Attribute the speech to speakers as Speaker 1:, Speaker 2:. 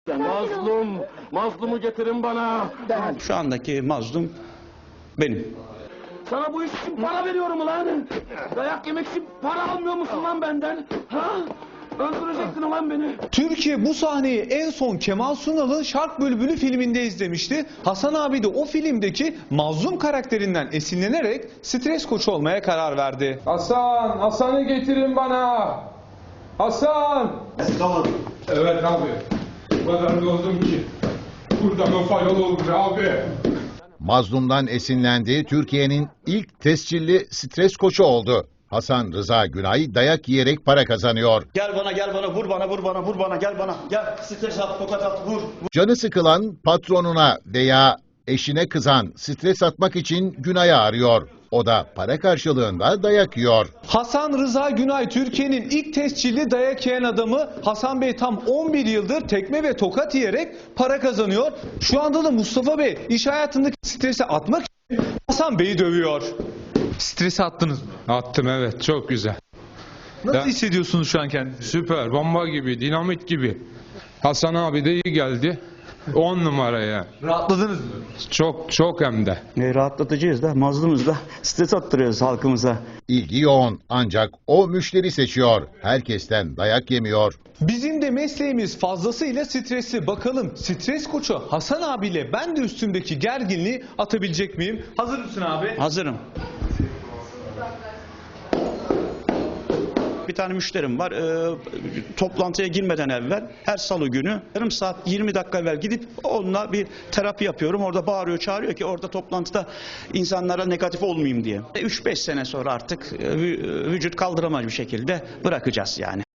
Speaker 1: Mazlumu getirin bana.
Speaker 2: Şu andaki mazlum benim.
Speaker 1: Sana bu iş için para veriyorum ulan. Dayak yemek için para almıyor musun lan benden? Ha? Öldürecektin ulan beni.
Speaker 3: Türkiye bu sahneyi en son Kemal Sunal'ın Şark Bülbülü filminde izlemişti. Hasan abi de o filmdeki mazlum karakterinden esinlenerek stres koçu olmaya karar verdi.
Speaker 4: Hasan'ı getirin bana. Hasan! Evet abi. O kadar doldum ki. Buradan o fayol olur abi.
Speaker 5: Mazlum'dan esinlendi, Türkiye'nin ilk tescilli stres koçu oldu. Hasan Rıza Günay dayak yiyerek para kazanıyor.
Speaker 2: Gel bana vur bana gel bana. Gel stres at tokat at vur.
Speaker 5: Canı sıkılan patronuna veya eşine kızan stres atmak için Günay'ı arıyor. O da para karşılığında dayak yiyor.
Speaker 3: Hasan Rıza Günay Türkiye'nin ilk tescilli dayak yiyen adamı. Hasan Bey tam 11 yıldır tekme ve tokat yiyerek para kazanıyor. Şu anda da Mustafa Bey iş hayatındaki stresi atmak için Hasan Bey'i dövüyor. Stresi attınız mı?
Speaker 4: Attım evet, çok güzel.
Speaker 3: Nasıl hissediyorsunuz şu an kendinizi?
Speaker 4: Süper, bomba gibi, dinamit gibi. Hasan abi de iyi geldi. 10 numaraya.
Speaker 3: Rahatladınız mı?
Speaker 4: Çok hem de.
Speaker 2: Rahatlatıcıyız da mazlumuz da stres attırıyoruz halkımıza.
Speaker 5: İlgi yoğun ancak o müşteri seçiyor. Herkesten dayak yemiyor.
Speaker 3: Bizim de mesleğimiz fazlasıyla stresli. Bakalım stres koçu Hasan abiyle ben de üstümdeki gerginliği atabilecek miyim? Hazır mısın abi?
Speaker 2: Hazırım. Bir tane müşterim var. Toplantıya girmeden evvel her salı günü yarım saat 20 dakika evvel gidip onunla bir terapi yapıyorum. Orada bağırıyor çağırıyor ki orada toplantıda insanlara negatif olmayayım diye. 3-5 sene sonra artık vücut kaldıramaz bir şekilde bırakacağız yani.